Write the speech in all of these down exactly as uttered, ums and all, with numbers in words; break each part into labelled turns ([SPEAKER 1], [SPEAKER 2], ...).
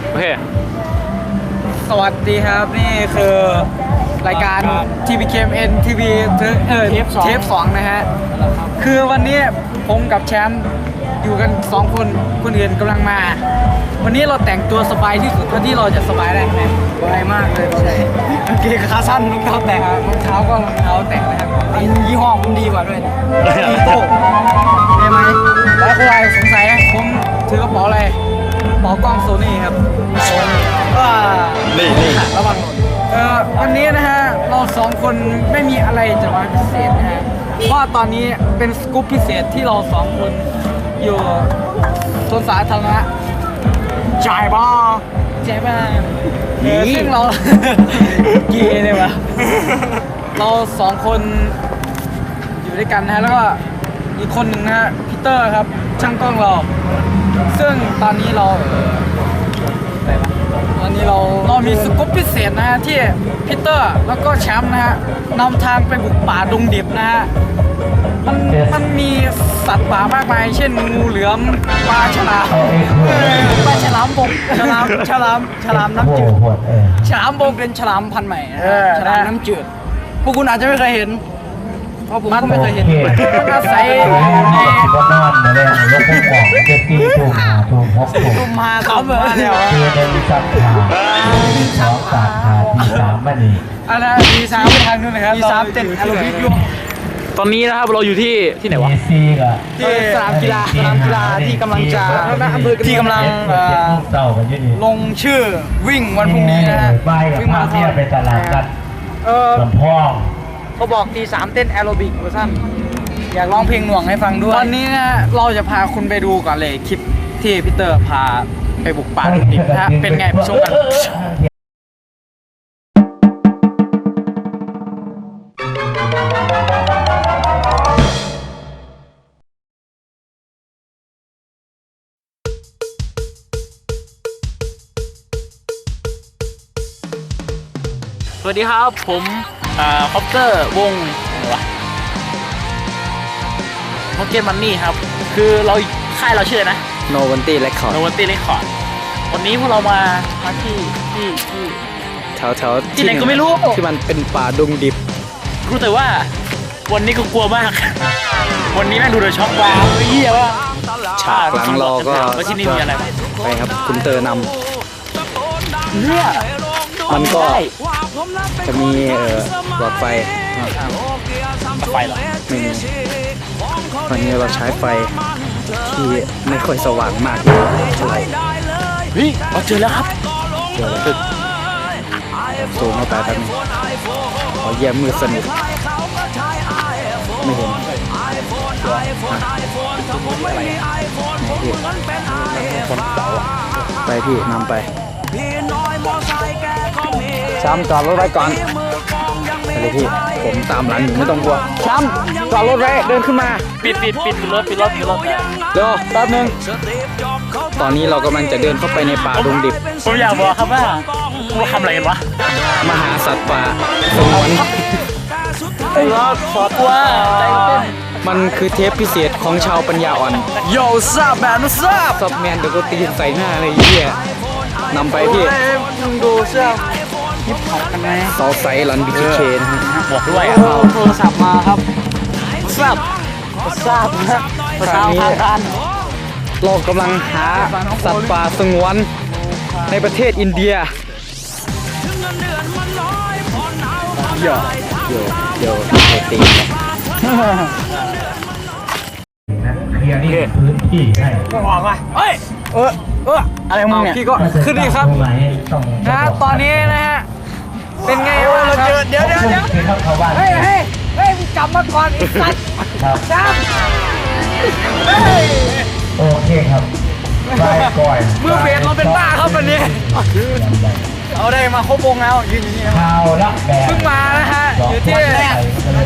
[SPEAKER 1] โอเค
[SPEAKER 2] สวัสดีครับนี่คือรายการ ที วี เค เอ็ม เอ็น ที วี เออเทปสองนะฮะคือวันนี้ผมกับแชมป์อยู่กันสองคนคนอื่นกำลังมา วันนี้เราแต่งตัวสบายที่สุดเท่าที่เราจะสบายได้ไหมสบายมากเลยใช่กางเกงขาสั้นรองเท้าแตะรองเท้าก็รองเท้าแตะนะครับอันยี่ห้อผมดีกว่าด้วยอีโต้ได้ไหมแล้วใครสงสัยผมถือกระเป๋าอะไรกระเป๋ากล้องโซนี่ครับโซนี่ว่านี่นี่ระวังเอ่อวันนี้นะฮะเราสองคนไม่มีอะไรจะมาพิเศษนะฮะเพราะตอนนี้เป็นสกู๊ปพิเศษที่เราสองคนอยู่สวนสาธารณะจ่ายบ้าจ่ายบ้าซึ่งเราเกย์เลยวะเราสองคนอยู่ด้วยกันนะฮะแล้วก็อีกคนหนึ่งนะฮะพีเตอร์ครับช่างกล้องเราซึ่งตอนนี้เราตอนนี้เราเรามีสกู๊ปพิเศษนะฮะที่พีเตอร์แล้วก็แชมป์นะฮะนำทางไปบุกป่าดงดิบนะฮะมันมันมีสัตว์ป่ามากมายเช่นงูเหลือมปลาฉลามปลาฉลามบกฉลามฉลามฉลามน้ำจืดฉลามบกเป็นฉลามพันธุ์ใหม่ฉลามน้ำจืดพวกคุณอาจจะไม่เคยเห็นเพราะผมก็ไม่เคยเห็นมันอาศัยใน
[SPEAKER 3] ก็นอนมาแล้วยกพวกของเจ็ดตีถูกหาถูกหกถูก
[SPEAKER 2] ตุ่มหาเขาเหมือนแล้ว
[SPEAKER 3] คือเดินสับขาที่สองสามขาที่สามมันนี่
[SPEAKER 2] อะไรทีสามไปทางนู้นนะครับทีสามเต้นอารมณ์พิยุ
[SPEAKER 1] ตอนนี้นะครับเราอยู่ที่ที่ไหนวะ
[SPEAKER 3] ซีก็
[SPEAKER 2] ที่สนามกีฬาสนามกีฬาที่กำลังจะที่กำลังลงชื่อวิ่งวันพรุ่งนี้นะฮะ
[SPEAKER 3] วิ่งมาเที่ยวไปตลาดกันลำพอง
[SPEAKER 2] เขาบอกทีสามเต้นแอโรบิกเวอร์ชันอยากร้องเพลงหน่วงให้ฟังด้วยวันนี้นะเราจะพาคุณไปดูก่อนเลยคลิปที่พีเตอร์พาไปบุกป่าดิบนะฮะเป็นไงไปชมกัน
[SPEAKER 1] สวัสดีครับผมอ่าคอปเตอร์วงอะไรวะพ็อกเก็ตมันนี่ครับคือเราค่ายเราชื่อนะ
[SPEAKER 2] โนวันตี้เรคคอร์ด
[SPEAKER 1] โนวันตี้เรคคอร์ดวันนี้พวกเรามามาที่ที่ที่
[SPEAKER 2] แถวแถว
[SPEAKER 1] ที่ไหนก็ไม่รู้
[SPEAKER 2] ที่มันเป็นป่าดงดิบ
[SPEAKER 1] รู้แต่ว่าวันนี้ก็กลัวมากวันนี้แม่งดูเดือดช็อกว้าวเหี้ยว่า
[SPEAKER 2] ฉากหลังเราก็
[SPEAKER 1] ว่าที่นี่มีอะไร
[SPEAKER 2] ไปครับคุณเตอร์นำ
[SPEAKER 1] เนี่ย
[SPEAKER 2] มันก็จะมีเอ่อหลอดไฟ
[SPEAKER 1] ไฟหรอ
[SPEAKER 2] ไม่มีวันนี้เราใช้ไฟที่ไม่ค่อยสว่างมากเท่าไหร่
[SPEAKER 1] เฮ้ยเราเจอแล้วครับ
[SPEAKER 2] เจอแล้วสูงเข้าไปแป๊บนึงขอแย่มือสนิทไม่เห็นไปพี่นำไปช้ำจอดรถไว้ก่อนไปเลยพี่ผมตามหลังอยู่ไม่ต้องกลัวช้ำจอดรถไว้เดินขึ้นมา
[SPEAKER 1] ปิดปิดปิดรถปิดรถปิดรถ
[SPEAKER 2] เดี๋ยวแป๊บนึงตอนนี้เรากำลังจะเดินเข้าไปในป่าดงดิบ
[SPEAKER 1] ผมอยากบอกครับว่าเราทำอะไรกันวะ
[SPEAKER 2] มาหาสัตว์ป่าสงวน
[SPEAKER 1] รอขอตัวใจเต้น
[SPEAKER 2] มันคือเทปพิเศษของชาวปัญญาอ่อน
[SPEAKER 1] โย่ทราบแบบนั้นทราบ
[SPEAKER 2] ซับแมนเดี๋ยวก็ตีใส่หน้าเลยเหี้ยนำไปพี่
[SPEAKER 1] มึงดูเสื้อฮิปฮอปกันไหม
[SPEAKER 2] ซอไซรันบีเคนะฮะ
[SPEAKER 1] บอกด้วย
[SPEAKER 2] เอาโทรศัพท์มาครับทราบทราบนะภาษาทางการเรากำลังหาสัตว์ป่าสงวนในประเทศอินเดียเดี๋ยวเดี๋ยวเดี๋ยวตี
[SPEAKER 3] เคลียร์นี่พื้นที่ให้
[SPEAKER 1] บอกว่าเฮ้ยเออเอออะไรมึงเนี่ย
[SPEAKER 2] พี่ก็ขึ้นดีครับนะตอนนี้นะฮะเป็นไงวะครับ
[SPEAKER 1] เดี๋ยวเดี๋ยวเดี๋ยว
[SPEAKER 2] เฮ้ยเฮ้ยเฮ้ยกลับมาก่อนอีกสัตว์จ้าเฮ้ย
[SPEAKER 3] โอเคครับไปก่อน
[SPEAKER 2] มือเบสเราเป็นบ้าครับวันนี้เอาได้มาครบวงแล้วยืนอยู่นี่
[SPEAKER 3] ข่าวละแบบ
[SPEAKER 2] เพิ่งมานะฮะอยู่ที่เฮ้ย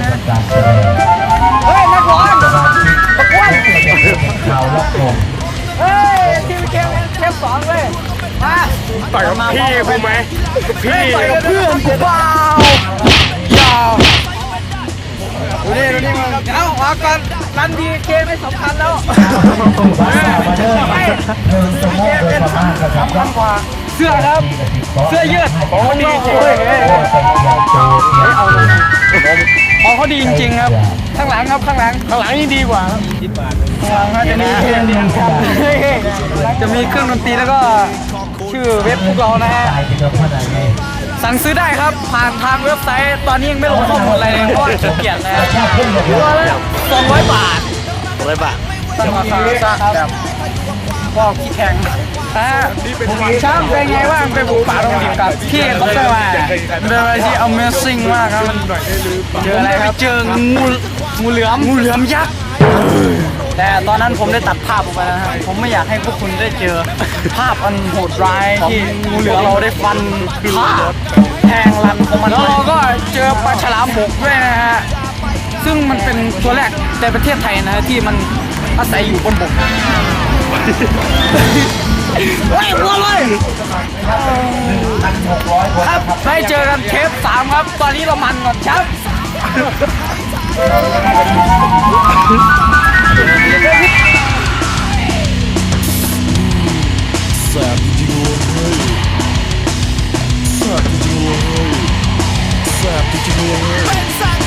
[SPEAKER 2] นักร้องประกวด
[SPEAKER 3] ข่าวละผม
[SPEAKER 2] เฮ้ยทีมเกมเกมสองเลยมา
[SPEAKER 1] ต่อยกับพี่กูไหม
[SPEAKER 2] พี่ต่อยกับเพื่อนเปล่ายาวดูนี่ดูนี่มึงเอาออกก่อนรันดีเกมไม่สำคัญแล้วไป
[SPEAKER 3] หนึ่งชั่วโมงโดยประมาณนะครับ
[SPEAKER 2] สำคัญกว่าเสื้อครับ เสื้อยืดของเขาดีจริง
[SPEAKER 3] โอ้ยเฮ้ยเฮ้ยโจเทียน
[SPEAKER 2] เอาเลยของเขาดีจริงๆครับ ข้างหลังครับข้างหลัง
[SPEAKER 1] ข้างหลังนี่ดีกว่าครับ
[SPEAKER 2] ข้างหลังก็จะมีเพลงจะมีเครื่องดนตรีแล้วก็ชื่อเว็บพวกเรานะฮะ
[SPEAKER 3] ตายไปกับคนไหนไง
[SPEAKER 2] สั่งซื้อได้ครับ ผ่านทางเว็บไซต์ ตอนนี้ยังไม่ลงข้อมูลอะไรเลยเพราะว่าขี้เกียจนะ
[SPEAKER 3] ชอบขึ้นแบบ
[SPEAKER 2] ตัวละสองร้อยบาท
[SPEAKER 1] ร้อยบาท
[SPEAKER 2] ตั้งราคาแบบพวกขี้แข็งฮะช่างเป็นไงบ้างไปบุกป่าตรงนี้กับพี่เขาเจอมาเป็นอะไรที่ Amazing มากครับเจออะไรครับเจองูงูเหลือมงูเหลือมยักษ์แต่ตอนนั้นผมได้ตัดภาพออกไปนะฮะผมไม่อยากให้พวกคุณได้เจอภาพอันโหดร้ายที่งูเหลือมเราได้ฟันฆ่าแทงรันของมันแล้วเราก็เจอปลาฉลามบกด้วยนะฮะซึ่งมันเป็นตัวแรกในประเทศไทยนะฮะที่มันอาศัยอยู่บนบกเฮ้ยวัวเลยครับได้เจอกันเทปสามครับ ตอนนี้เรามันก่อนครับ
[SPEAKER 4] แสบจริงๆเว้ยแสบจริงๆเว้ยแสบจริงๆเว้ย